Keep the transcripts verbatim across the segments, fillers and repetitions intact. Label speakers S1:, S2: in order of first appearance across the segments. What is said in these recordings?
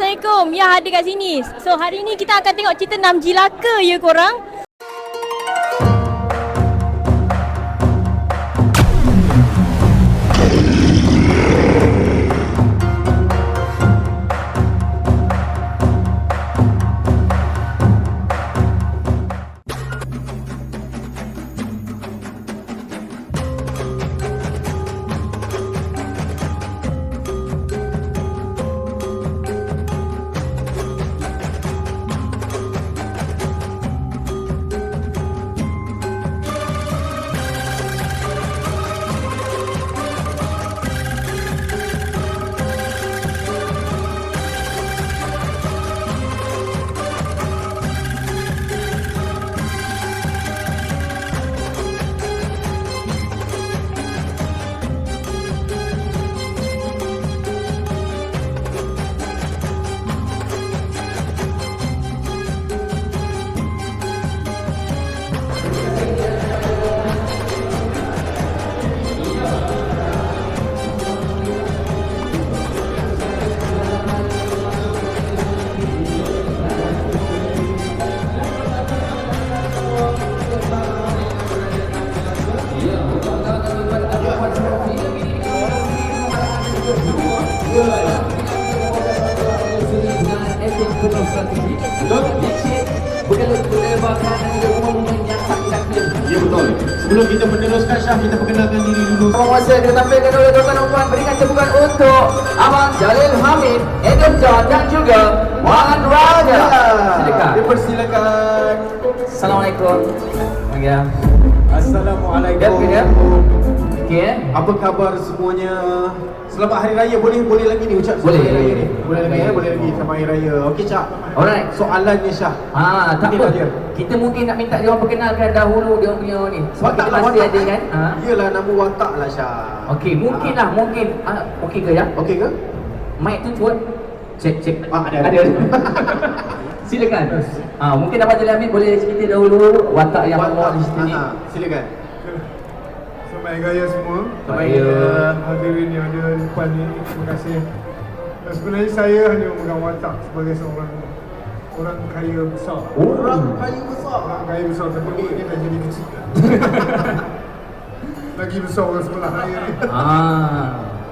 S1: Assalamualaikum. Ya, ada kat sini. So, hari ni kita akan tengok cerita enam jilaka ya korang.
S2: Ya betul. Sebelum kita meneruskan Syah, kita perkenalkan diri dulu.
S3: Penguasa kita tampilkan oleh tuan-tuan dan puan, berikan tepukan untuk Abang Jalil Hamid, Adam John dan juga Wan Raja. Silakan.
S2: Dipersilakan.
S3: Assalamualaikum. Ya.
S2: Assalamualaikum.
S3: Ya, okey.
S2: Apa khabar semuanya? Selamat Hari Raya. Boleh boleh lagi ni ucap
S3: Boleh.
S2: Hari Raya ni. Boleh lagi ya, boleh lagi selamat Hari Raya. Okey Cak.
S3: Alright.
S2: Soalannya Syah.
S3: Ah, tak
S2: Ini
S3: apa.
S2: dia.
S3: Kita mungkin nak minta dia orang perkenalkan dahulu dia orang punya ni. Sebab
S2: Watak
S3: kita
S2: lah
S3: masih
S2: watak
S3: ada kan? Ha.
S2: Iyalah nama watak lah Syah.
S3: Okey, mungkin lah, mungkin. Ah, okey ke ya?
S2: Okey ke?
S3: Mic tu cuba. Cek, cek.
S2: Ah, ada,
S3: ada.
S2: ada.
S3: Silakan. Ah, mungkin Abang Jalil Hamid boleh cerita dahulu watak yang awak di sini.
S2: Ah, silakan.
S4: Selamat Hari Raya semua.
S2: Selamat Hari Raya.
S4: Hadirin yang ada di depan ni, terima kasih. Dan sebenarnya saya hanya memegang watak sebagai seorang orang kaya besar.
S2: Orang kaya besar.
S4: Orang kaya besar, tapi ini dah jadi kecil. Lagi besar orang sebelah raya ni.
S3: Ah.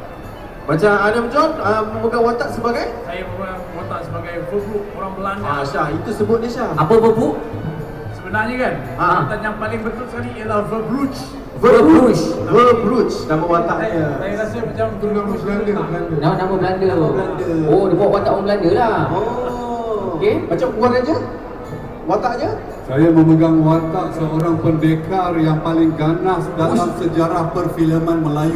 S2: Macam Adam John uh, memegang watak sebagai?
S5: Saya memegang watak sebagai verbuk orang Belanda.
S2: Ah Syah, itu sebut dia Syah.
S3: Apa bu?
S5: Sebenarnya kan,
S2: Ah.
S5: kata yang paling betul sekali ialah verbruch.
S3: Verbruch.
S2: Verbruch nama watak
S5: Saya,
S2: dia.
S5: saya rasa macam
S4: Itu nama Belanda, Belanda.
S3: Nama nama Belanda.
S2: Nama Belanda.
S3: Oh, dia buat watak orang Belanda lah.
S2: Oh.
S3: Okey.
S2: Macam Puan Raja? Wataknya?
S6: Saya memegang watak seorang pendekar yang paling ganas dalam sejarah perfilman Melayu.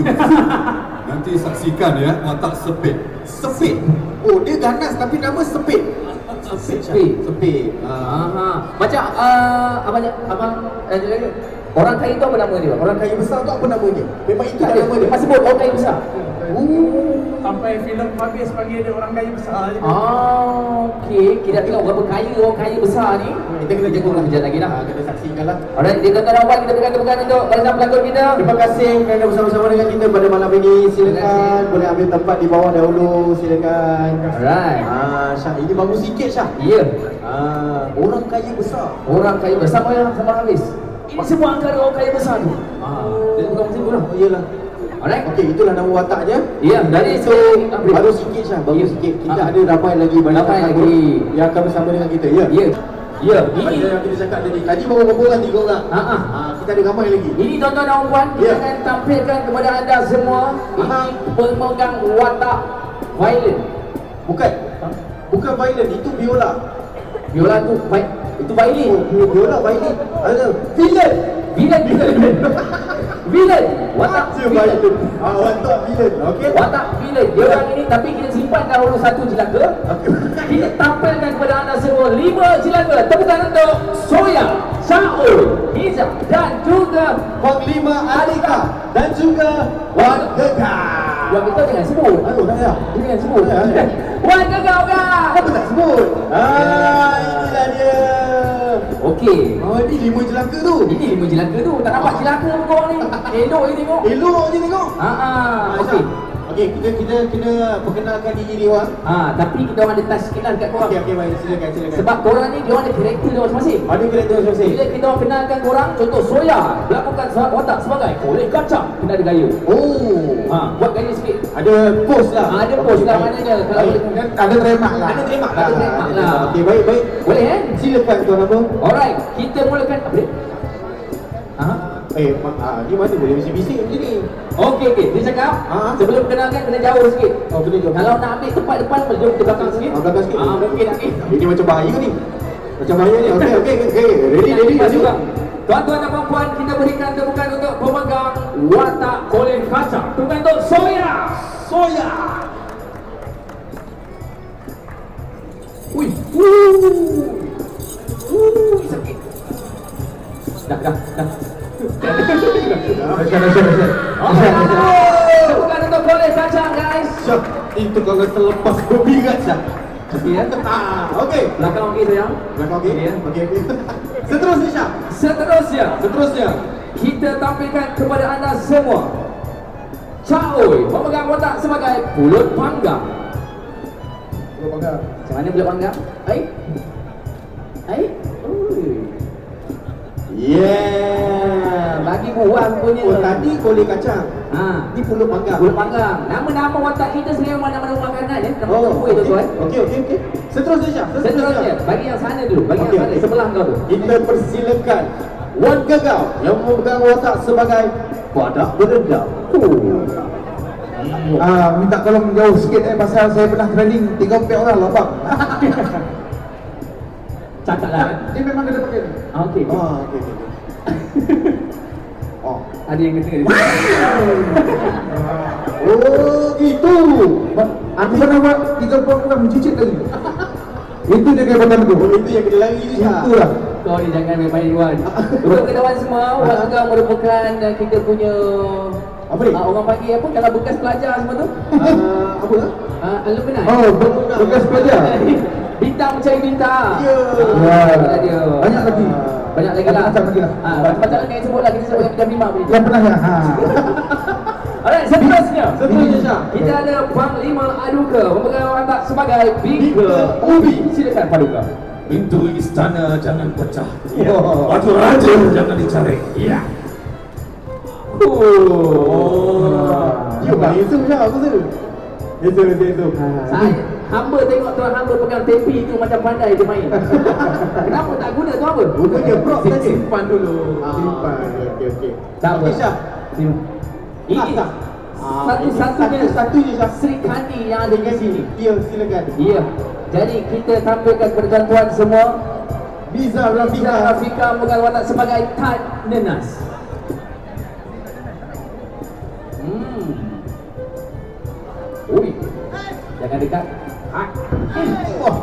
S6: Nanti saksikan ya, watak Sepit.
S2: Sepit. Oh, dia ganas tapi nama Sepit. Sepit. Syah.
S3: Sepit.
S2: Sepit. Ah.
S3: Aha. Macam uh, abang abang eh, orang kaya tu apa nama dia?
S2: Orang kaya besar tu apa namanya? Memang itu
S3: tak
S2: nama dia.
S3: Masih sebut orang kaya besar.
S2: Oh.
S5: sampai filem habis panggil dia orang kaya besar je.
S3: Ah, okey. Kita tengok berapa kaya orang kaya besar ni.
S2: Kita kena
S3: tengok
S2: tengok
S3: kejap lagi lah.
S2: Ah, kena saksikan lah.
S3: Alright, dia tuan-tuan dan puan, kita berikan tepukan untuk barisan pelakon kita.
S2: Terima kasih kerana bersama-sama dengan kita pada malam ini. Silakan
S3: kasih.
S2: boleh ambil tempat di bawah dahulu. Silakan.
S3: Alright.
S2: Ah, Syah, ini bagus sikit Syah.
S3: Ya.
S2: Ah, orang kaya besar.
S3: Orang kaya besar sama yang sama habis. Ini semua angka orang kaya besar tu. Ah, dia bukan macam tu lah.
S2: Oh, iyalah.
S3: Alright.
S2: Okey, itulah nama wataknya.
S3: Ya, dari
S2: So,
S3: itu
S2: baru sikit Syah, baru
S3: Ya.
S2: sikit. Kita
S3: Ah.
S2: ada ramai lagi banyak
S3: Ramai
S2: tamu
S3: lagi.
S2: yang akan bersama dengan kita. Ya.
S3: Ya. Ya,
S2: Ini
S3: ini
S2: yang kita cakap tadi. Tadi baru berapa orang? Tiga orang.
S3: Ha ah.
S2: Ah, kita ada ramai lagi.
S3: Ini tuan-tuan dan puan, kita
S2: Ya.
S3: akan tampilkan kepada anda semua
S2: Aha.
S3: ini pemegang watak violin.
S2: Bukan. Bukan violin, itu biola.
S3: Viola tu vi- itu violin.
S2: Oh, bi- biola violin. Ada violin.
S3: Violin violin. Violin. Watak
S2: Dia violin.
S3: violin.
S2: Ah, watak violin. Okey.
S3: Watak violin. Dia orang ini, tapi kita simpan dahulu satu jelaka. Kita tampilkan kepada anda semua lima jelaka. Tepukan untuk Soya, Syaul, Hizam dan juga
S2: Panglima Alika dan juga Wan Gegar.
S3: yang kita jangan sebut.
S2: Aduh, dah ya.
S3: Jangan sebut.
S2: Ya, ya.
S3: Wan Gegar kan.
S2: Apa tak sebut? Ah, inilah dia.
S3: Okey.
S2: Oh, ini lima jelaka tu.
S3: Ini lima jelaka tu. Tak nampak jelaka kau ni. Elok je tengok.
S2: Elok je tengok.
S3: Ha ah. Okey.
S2: Okey, kita kita kena perkenalkan diri dia orang.
S3: Ah, tapi kita orang ada touch sikit lah dekat korang.
S2: Okey, okey, baik, silakan, silakan.
S3: Sebab korang ni dia orang ada karakter dia masing-masing.
S2: Ada karakter masing-masing.
S3: Bila kita orang kenalkan korang, contoh Soya berlakukan watak sebagai kolej kacang, kena ada gaya.
S2: Oh.
S3: Ha, buat gaya sikit.
S2: Ada pose lah.
S3: Ah, ada pose lah maknanya kalau
S2: Baik.
S3: boleh.
S4: Ada terima lah.
S2: Ada terima
S3: Ada terima lah.
S2: Okey, baik, baik.
S3: Boleh kan?
S2: Silakan tuan apa?
S3: Alright, kita mulakan apa dia? Ha?
S2: Eh, mak, ah, ni mana boleh bising-bising macam ni?
S3: Okey okey, dia cakap
S2: Ha?
S3: sebelum kenalkan kena jauh sikit.
S2: Oh, kena jauh.
S3: Kalau nak ambil tempat depan, boleh jauh ke belakang sikit.
S2: Ah, belakang sikit.
S3: Ah, mungkin okey.
S2: Ini macam bahaya ni. Macam bahaya ni. Okey, okey, okey. Ready, ready, ready.
S3: Tuan-tuan dan puan-puan, kita berikan tepukan untuk pemegang watak kolej kacang. Tepukan untuk Soya.
S2: Soya.
S3: Ui. Wuh. Wuh, sakit. Dah, dah, dah. Tepukan untuk kolej kacang, guys.
S2: Syok. Itu kalau terlepas kopi kat Syah.
S3: Okey ya.
S2: Ah, okey.
S3: Belakang okey sayang.
S2: Belakang okey?
S3: Ya.
S2: Okey, okey. Seterusnya Syah.
S3: Seterusnya,
S2: Seterusnya.
S3: kita tampilkan kepada anda semua Caoy memegang watak sebagai pulut panggang.
S4: Pulut panggang.
S3: Macam mana pulut panggang? Hai? Hai? Ui.
S2: Yeah.
S3: Bagi buang punya.
S2: Oh, tadi kolej kacang.
S3: Ha,
S2: Ni pulut panggang.
S3: pulut panggang. Nama-nama watak kita sebenarnya mana-mana makanan ya. Nama
S2: Oh,
S3: kuih tuan-tuan.
S2: okey, okey, okey. Seterusnya Syah.
S3: Seterusnya, bagi yang sana dulu, bagi
S2: Okey,
S3: yang sana
S2: okey.
S3: sebelah kau tu.
S2: Kita persilakan Wan Gagau yang memegang watak sebagai badak berendam.
S3: Oh.
S4: Ah, minta tolong jauh sikit eh pasal saya pernah training tiga empat orang lah bang.
S3: Cakap lah.
S4: Dia memang kena pakai ni.
S3: Ah, okey. okey.
S2: Ah, okey, okey. okey. Oh.
S3: Ada yang kena di
S2: Oh, gitu.
S4: Aku pernah buat tiga empat orang mencicit tadi. Itu dia kebatan tu.
S2: Oh, itu yang kena lari tu Syah.
S4: Itulah.
S3: Kau ni jangan main-main Wan. Untuk kawan semua, Wan juga merupakan uh, kita punya
S2: Apa ni?
S3: uh, orang panggil apa kalau bekas pelajar semua tu?
S2: Ah, apa lah?
S3: Uh, alumni.
S4: Oh, be- bekas pelajar.
S3: Bintang mencari bintang.
S2: Ya.
S4: Ya.
S3: Itulah dia.
S4: Banyak lagi.
S3: Banyak lagi lah.
S4: Macam lagi lah.
S3: Ah, macam-macam lagi yang sebut lah kita sebut yang bintang lima boleh.
S4: Yang pernah ya. Ha.
S3: Alright, seterusnya.
S2: Seterusnya Syah.
S3: Kita ada Panglima Aduka memegang watak sebagai Bika
S2: Ubi.
S3: Silakan Paduka.
S5: Pintu istana jangan pecah.
S2: Oh.
S5: Batu raja jangan dicari. Ya.
S2: Oh. Ya, bang itu Syah, aku tu. Itu, itu, itu.
S3: Saya hamba tengok tuan hamba pegang tepi tu macam pandai dia main. Kenapa tak guna tu apa?
S2: Gunanya prop saja.
S5: Simpan dulu.
S2: Ah,
S4: Simpan.
S2: okey, okey.
S3: Tak apa.
S2: Okey, Syah.
S3: Ini
S2: Sah, sah. Ah,
S3: satu-satunya
S2: ini satu-satunya Syah.
S3: Sri Kandi yang ada di sini.
S2: Ya, silakan.
S3: Ya. Jadi kita tampilkan kepada tuan-tuan semua
S2: Biza
S3: Biza
S2: Rafika.
S3: Rafika memegang watak sebagai Tan Nenas. Hmm. Ui. Jangan dekat. Ah.
S2: Oh.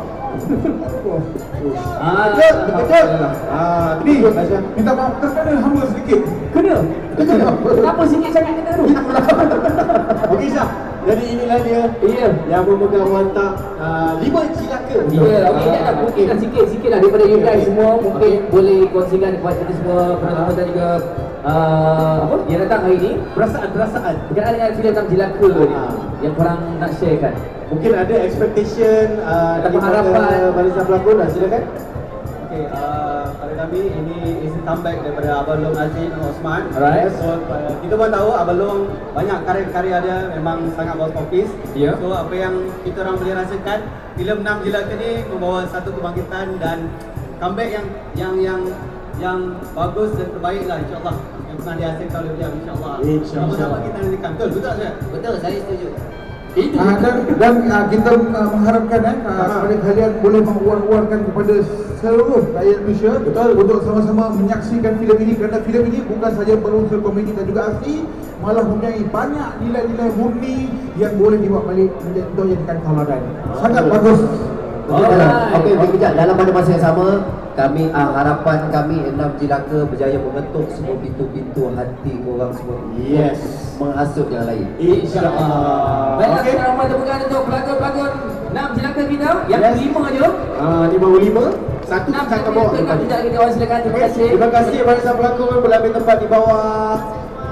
S3: Ah.
S2: Betul, betul. Ah, ni Syah.
S4: Minta maaf terkena hamba sedikit.
S3: Kena. Kenapa sikit sangat kena tu?
S2: Okey Syah. Jadi inilah dia
S3: Ya.
S2: yang memegang watak uh, lima cilaka.
S3: Ya, okey, tak ada mungkinkan sikit-sikit lah daripada you guys semua mungkin boleh kongsikan kepada kita semua penonton dan juga uh, apa yang datang hari ini
S2: Perasaan-perasaan.
S3: berkenaan dengan filem Enam Jelaka ni
S2: Ah.
S3: yang korang nak sharekan.
S2: Mungkin ada expectation uh,
S3: Ada
S2: daripada
S3: harapan.
S2: barisan pelakon lah, silakan.
S7: Okey, uh, pada kami ini is a comeback daripada Abang Long Aziz dan Osman.
S3: Alright.
S7: So uh, kita pun tahu Abang Long banyak karya-karya dia memang sangat box office.
S3: Ya.
S7: So apa yang kita orang boleh rasakan, filem Enam Jelaka ni membawa satu kebangkitan dan comeback yang yang yang yang bagus dan terbaik lah insya-Allah. Yang pernah dihasilkan oleh beliau insya-Allah.
S2: InsyaAllah.
S7: Sama-sama kita nantikan. Betul, betul tak saya?
S3: Betul, saya setuju. Itu
S4: Ah, dan dan ah, kita ah, mengharapkan eh ah, kepada kalian boleh menguar-uarkan kepada seluruh rakyat Malaysia betul untuk sama-sama menyaksikan filem ini kerana filem ini bukan saja berunsur komedi dan juga aksi, malah mempunyai banyak nilai-nilai murni yang boleh dibawa balik menjadi untuk jadikan tauladan. Sangat bagus.
S3: Alright.
S8: Okey, okey, kejap. Dalam pada masa yang sama, kami ah, harapan kami Enam Jelaka berjaya mengetuk semua pintu-pintu hati orang semua.
S2: Yes.
S8: Menghasut yang lain.
S2: InsyaAllah.
S3: Baiklah,
S2: Okey.
S3: kita ramai tepukan untuk pelakon-pelakon Enam Jelaka kita yang
S2: Yes.
S3: kelima je.
S2: Ah, ni baru lima. Satu
S3: Enam
S2: kat
S3: Jelaka
S2: bawah.
S3: kita kita kita orang silakan terima kasih.
S2: Terima kasih barisan pelakon boleh ambil tempat di bawah.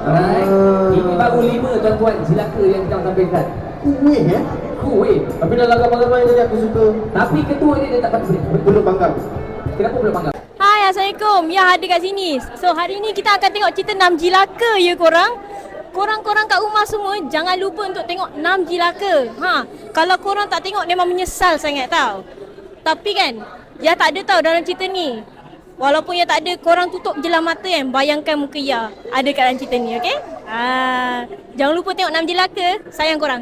S3: Alright.
S2: Ah.
S3: Ini baru lima tuan-tuan jilaka yang kita tampilkan.
S2: Kuih ya.
S3: Kuih.
S2: Tapi dah lagu ramai tadi aku suka.
S3: Tapi ketua ni dia tak patut boleh.
S2: Belum bangga.
S3: Kenapa belum bangga?
S1: Hai, Assalamualaikum. Ya, ada kat sini. So, hari ni kita akan tengok cerita enam jilaka ya korang. Korang-korang kat rumah semua, jangan lupa untuk tengok enam jilaka. Ha, kalau korang tak tengok memang menyesal sangat tau. Tapi kan, ya tak ada tau dalam cerita ni. Walaupun ya tak ada, korang tutup je lah mata kan. Bayangkan muka ya ada kat dalam cerita ni, okey? Ha, jangan lupa tengok enam jilaka. Sayang korang.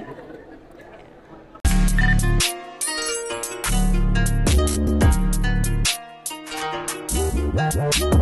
S2: Bye.